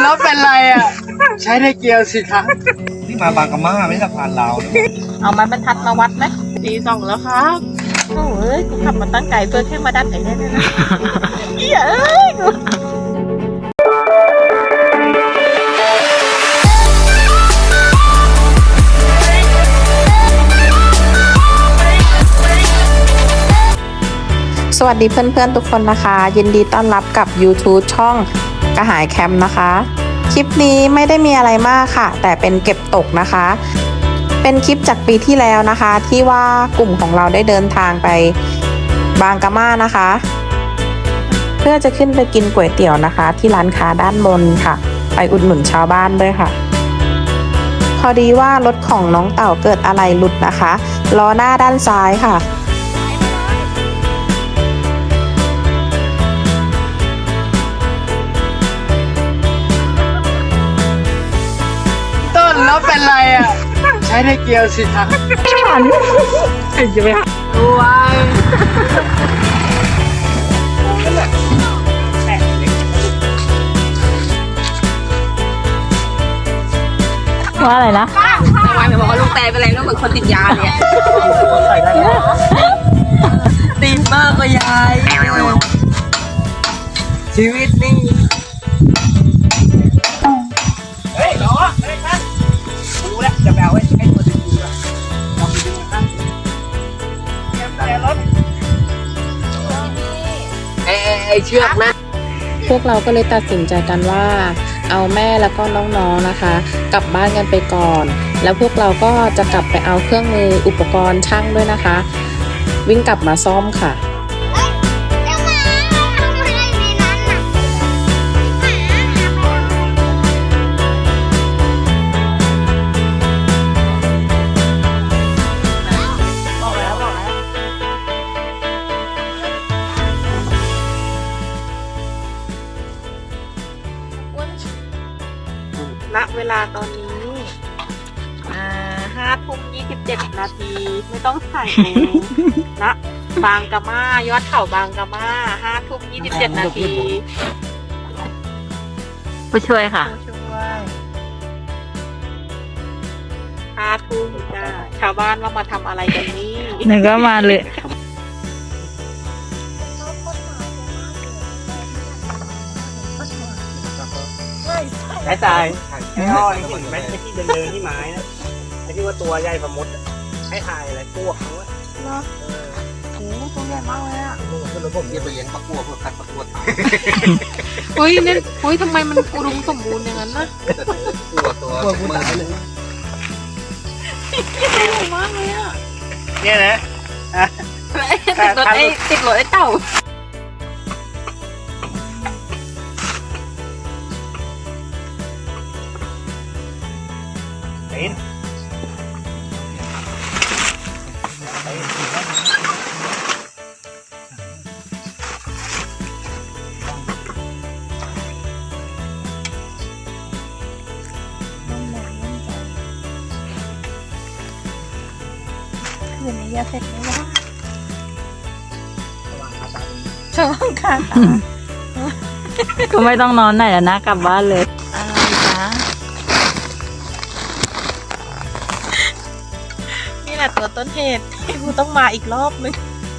แล้วเป็นไรอ่ะใช้ได้เกียวสิครับนี่มาบางกะมาไม่สะพานลาวนะเอาไม้บรรทัดมาวัดไหมตีสองแล้วครับโอ้ยกูขับมาตั้งไกลเพื่อแค่มาดันไอ้เนี่ยนะเหี้ยเอ้ยสวัสดีเพื่อนๆทุกคนนะคะ ยินดีต้อนรับกับ YouTube ช่องกระหายแคมป์นะคะ คลิปนี้ไม่ได้มีอะไรมากค่ะ แต่เป็นเก็บตกนะคะ เป็นคลิปจากปีที่แล้วนะคะ ที่ว่ากลุ่มของเราได้เดินทางไปบางกะมานะคะ เพื่อจะขึ้นไปกินก๋วยเตี๋ยวนะคะ ที่ร้านค้าด้านบนค่ะ ไปอุดหนุนชาวบ้านด้วยค่ะ พอดีว่ารถของน้องเต่าเกิดอะไรหลุดนะคะล้อหน้าด้านซ้ายค่ะต้นแล้วเป็นไรอ่ะใช้ได้เกียวสิครับจะไปวางว่าอะไรนะวางจะบอกว่าลูกแต่เป็นอะไรแล้วเหมือนคนติดยาเนี่ยติดมากกว่ายายชีวิตนี่เฮ้ยหรอเฮ้ยท่านดูแลจะแบวให้คนดูด้วยลองดูนะครับแต่รถไอเชือกนะพวกเราก็เลยตัดสินใจกันว่าเอาแม่แล้วก็น้องๆนะคะ กลับบ้านกันไปก่อน แล้วพวกเราก็จะกลับไปเอาเครื่องมืออุปกรณ์ช่างด้วยนะคะ วิ่งกลับมาซ่อมค่ะณเวลาตอนนี้5 ทุ่ม 27 นาที ไม่ต้องถ่ายเลยนะบางกะมายอดเขาบางกะมา5 ทุ่ม 27 นาทีผู้ช่วยค่ะช่วย5 ทุ่มจ้าชาวบ้านว่ามาทำอะไรกันนี่หนึ่งก็มาเลยสายตายไอ้อ้อยเห็นไหมไอ้ที่เดินที่ไม้นะไอ้ที่ว่าตัวใหญ่ประมดให้ถ่ายอะไรพวกเขาเนาะโอ้ตัวใหญ่มากเลยอ่ะคือระบบเรียบเรียงประกวดเพื่อคัดประกวดเฮ้ยเนี่ยเฮ้ยทำไมมันอุดมสมบูรณ์อย่างนั้นนะตัวมือเลยใหญ่มากเลยอ่ะเนี่ยนะติดรถไอ้เต่าเป็นคืนนี้จะเสร็จไหมวะช่วงคาตาก็ไม่ต้องนอนไหนแล้วนะกลับบ้านเลยอะไรจ๊ะนี่แหละตัวต้นเหตุที่กูต้องมาอีกรอบนึง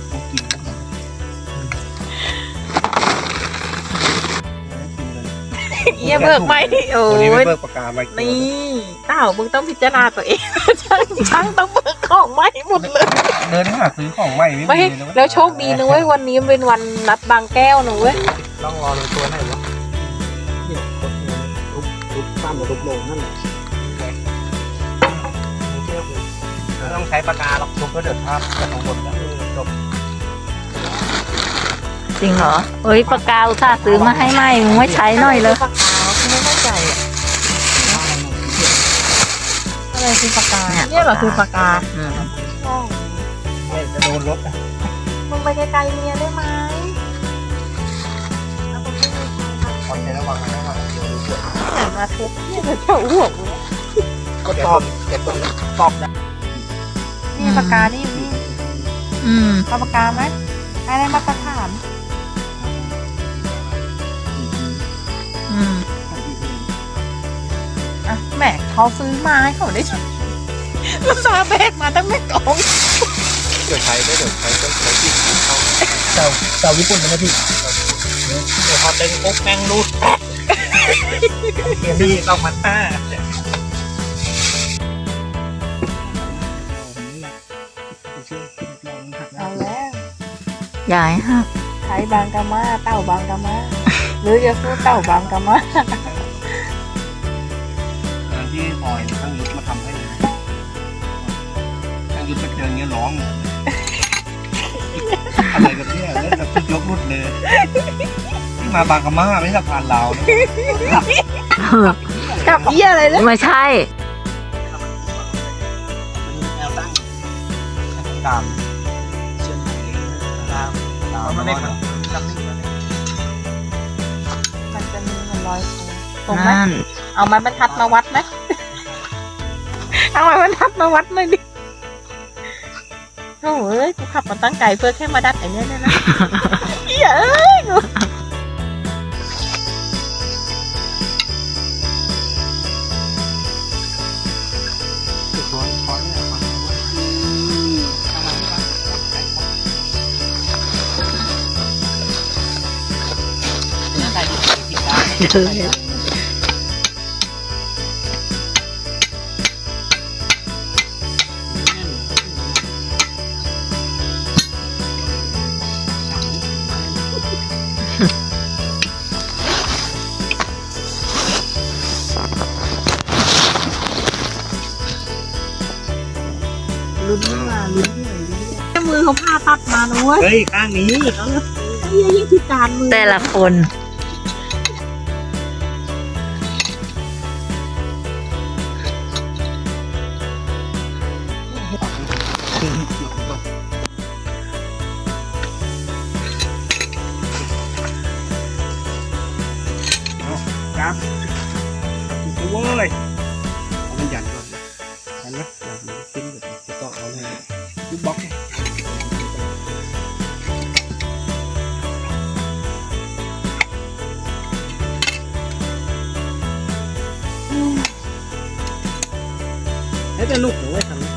เยี่ยเบิกไหมโอ้วันนี้ไม่ยเบิกปากกามานี่เต่ามึงต้องพิจารณาตัวเอง ช่างต้องเบิกของใหม่หมดเลยเดินหาซื้อของใหม่ไม่แล้วโชคดีนะเว้ยวันนี้เป็นวันนัดบางแก้วนะเว้ยต้องรอเลยตัวไหนวะเนี่ยทุบซ้ำกับทุบลงนั่นแหละไม่ต้องใช้ปากกาหรอกทุบก็เดือดภาพจะลงบนแล้วจบจริงเหรอเอ้ยปากกาอุตส่าห์ซื้อมาให้ใหม่มึงไม่ใช้หน่อยเลยปากกาเขาไม่เข้าใจอะอะไรคือปากกาเนี่ยเหรอคือปากกาเนี่ยจะโดนรถอ่ะมึงไปไกลๆเมียได้ไหมคอนเทนต์ระวังนะระวังเดี๋ยวดูเสืออย่ามาทุบเนี่ยเจ้าหัวกูก็ตอบเก็บตรงนี้ตอบนะนี่ปากกานี่อยู่นี่เอาปากกาไหมให้ได้มาตรฐานอืมเขาซื้อมาให้เขาได้ใช้ลูกสาวแบกมาตั้งไม่กองเดี๋ยวใช้ได้เดี๋ยวใช้ต้องใช้ที่เขาเต่าญี่ปุ่นนะพี่เดี๋ยวพอดึงปุ๊บแม่งรูดเดี๋ยวนี่ต้องมันห้าเอาแล้วยายฮะใช้บางกะมาเต่าบางกะมาหรือจะสู้เต่าบางกะมางานที่พลอยตั้งยุทธมาทำให้เลยตั้งยุทธมาเจออย่างเงี้ยร้องอะไรกันเนี่ยแล้วแบบยกรุดเลยที่มาบางกะมาไม่ใช่สะพานลาวนะกับเยี่ยอะไรเนี่ยไม่ใช่แนวตั้งตามเชื่อมตามมันไม่มันจำนิ่งเลยมันจะมีมันลอยตรงไหมเอาไม้บรรทัดมาวัดไหมเอาไม้บรรทัดมาวัดหน่อยดิโอ้ยกูขับมาตั้งไกลเพื่อแค่มาดัดไอ้เนี่ยนะเหี้ยเอ้ยกูร้อยร้อยเนี่ยมาใส่ผิดได้ลุ้นมาลุ้นหน่อยดิแค่มือเขาผ่าตัดมานะเว้ยเฮ้ยข้างนี้ไอ้เหี้ยยิ่งพิการมือแต่ละคนครับโอ้ยเอามันหยันก่อนหยันนะหยันติ้งแบบจะต้องเอาเลยยุบบล็อกเนี่ยเฮ้ยแต่ลูกหนูไว้ทำ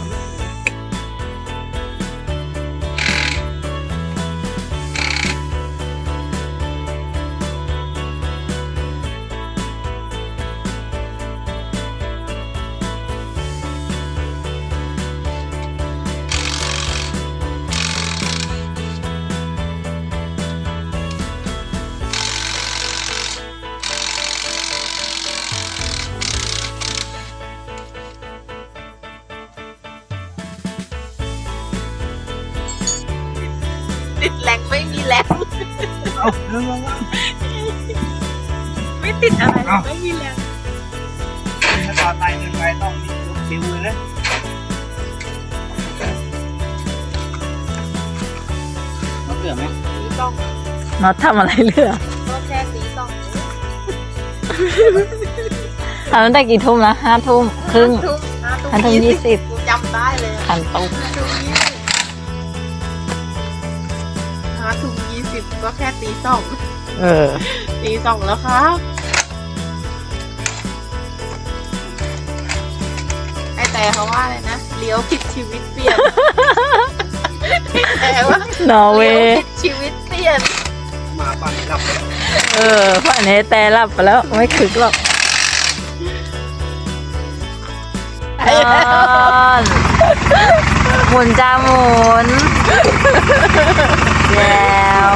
ติดแรงไม่มีแรงเอาเรื่องไม่ติดอะไรเลยไม่มีแรงถ้าต่อไตเงินไปต้องมีลูกคิวเลยนะน้องเสือไหมสีต้องน็อตทำอะไรเรือก็แค่สีต้องทำตั้งแต่กี่ทุ่มละ5 ทุ่มครึ่ง 5 ทุ่ม 20 กูจำได้เลยคันตุก 5 ทุ่ม 20ก็แค่ตีเออ 2ตี 2แล้วครับไอแต่เขาว่าอะไรนะเลี้ยวผิดชีวิตเปลี่ยนแต่ว่านอร์เวเลี้ยวย์ผิดชีวิตเปลี่ยนมาปั่นกลับไปแล้วฝั่งนี้แต่หลับไปแล้ว ไม่คึกหรอกนอนหมุนจ้าหมุนแล้ว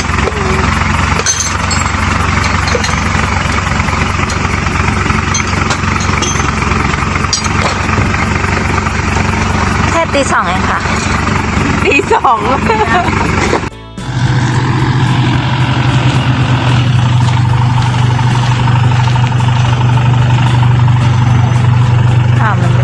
แค่ตี 2เองค่ะตี 2 ถามมันดิ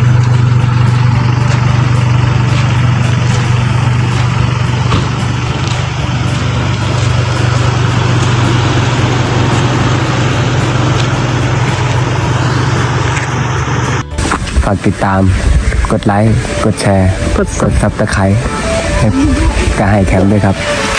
ฝากติดตามกดไลค์กดแชร์กดซับสไครต์ให้กระหายแคมป์ด้วยครับ